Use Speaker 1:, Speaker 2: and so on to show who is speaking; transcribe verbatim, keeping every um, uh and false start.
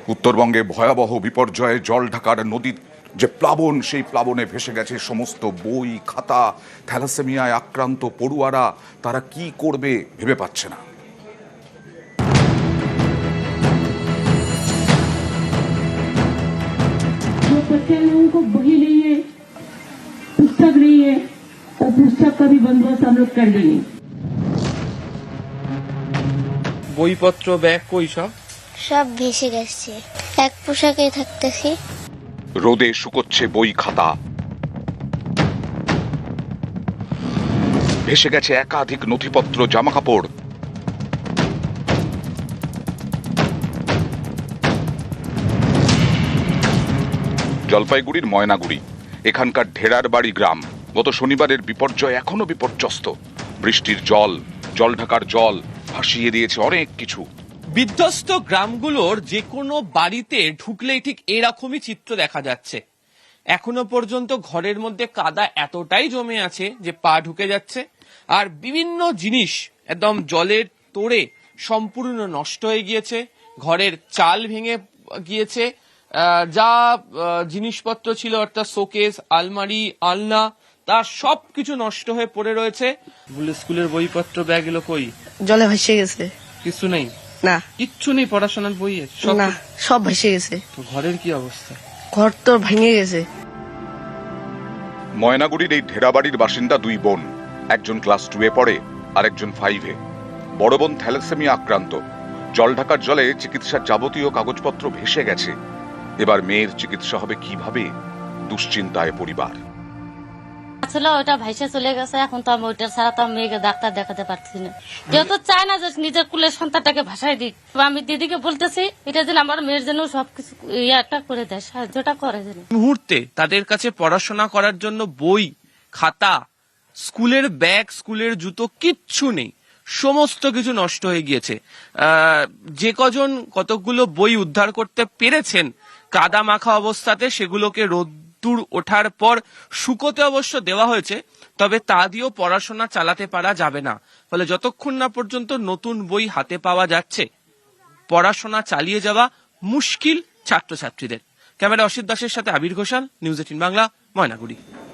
Speaker 1: উত্তরবঙ্গে ভয়াবহ বিপর্যয়ে জল ঢাকার নদীর যে প্লাবন, সেই প্লাবনে ভেসে গেছে সমস্ত বই খাতা। থ্যালাসেমিয়ায় আক্রান্ত পড়ুয়ারা তারা কি করবে ভেবে পাচ্ছে না।
Speaker 2: जो बच्चे लोगों को बही नहीं है, पुस्तक नहीं है, और पुस्तक का भी बंदोबस्त हम लोग कर देंगे।
Speaker 3: বইপত্র ব্যাগ কই সব
Speaker 4: সব ভেসে গেছে, এক পোশাকে থাকতেছি।
Speaker 1: রোদে শুকোচ্ছে বই খাতা, ভেসে গেছে একাধিক নথিপত্র জামাকাপড়। জলপাইগুড়ির ময়নাগুড়ি, এখানকার ঢেরার বাড়ি গ্রাম। গত শনিবারের বিপর্যয় এখনো বিপর্যস্ত। বৃষ্টির জল, জল ঢাকার জল ভাসিয়ে দিয়েছে অনেক কিছু।
Speaker 3: বিধ্বস্ত গ্রামগুলোর যে কোনো বাড়িতে ঢুকলেই ঠিক এরকমই চিত্র দেখা যাচ্ছে। এখনো পর্যন্ত ঘরের মধ্যে কাদা এতটাই জমে আছে যে পা ঢুকে যাচ্ছে, আর বিভিন্ন জিনিস একদম জলের তোড়ে সম্পূর্ণ নষ্ট হয়ে গিয়েছে। ঘরের চাল ভেঙে গিয়েছে, যা জিনিসপত্র ছিল অর্থাৎ শোকেস, আলমারি, আলনা, তা সবকিছু নষ্ট হয়ে পড়ে রয়েছে। স্কুলের বইপত্র ব্যাগ এলো কই?
Speaker 5: জলে ভেসে গেছে।
Speaker 3: কিছু নেই?
Speaker 5: না,
Speaker 3: কিচ্ছু নেই পড়াশোনার বইয়ে?
Speaker 5: না, সব ভেসে গেছে।
Speaker 3: তো ঘরের কি অবস্থা?
Speaker 5: ঘর তো ভেঙে গেছে।
Speaker 1: ময়নাগুড়ির এই ঢেরাবাড়ির বাসিন্দা দুই বোন, একজন ক্লাস টু এ পড়ে আর একজন ফাইভে। বড় বোন থ্যালাসেমিয়া আক্রান্ত। জল ঢাকার জলে চিকিৎসার যাবতীয় কাগজপত্র ভেসে গেছে। এবার মেয়ের চিকিৎসা হবে কিভাবে, দুশ্চিন্তায় পরিবার।
Speaker 6: আসলে ওটা ভাইসে চলে গেছে, এখন তো আমি ওইটা ছাড়া তো আমি মেয়েকে ডাক্তার দেখাতে পারছি না। কেউ তো চায় না যে নিজের কুলের সন্তানটাকে ভাসাই দিক। আমি দিদিকে বলতেছি এটা যেন আমার মেয়ের জন্য সবকিছু ইয়াটা করে দেয়, সাহায্যটা করে যেন।
Speaker 3: মুহূর্তে তাদের কাছে পড়াশোনা করার জন্য বই, খাতা, স্কুলের ব্যাগ, স্কুলের জুতো কিচ্ছু নেই। সমস্ত কিছু নষ্ট হয়ে গিয়েছে। যে কজন কতকগুলো বই উদ্ধার করতে পেরেছেন কাদা মাখা অবস্থাতে, সেগুলোকে রোদ্দুর ওঠার পর শুকোতে অবশ্য দেওয়া হয়েছে, তবে তা দিয়েও পড়াশোনা চালাতে পারা যাবে না। ফলে যতক্ষণ না পর্যন্ত নতুন বই হাতে পাওয়া যাচ্ছে, পড়াশোনা চালিয়ে যাওয়া মুশকিল ছাত্রছাত্রীদের। ক্যামেরা অসিত দাসের সাথে আবির ঘোষাল, নিউজ এইটিন বাংলা, ময়নাগুড়ি।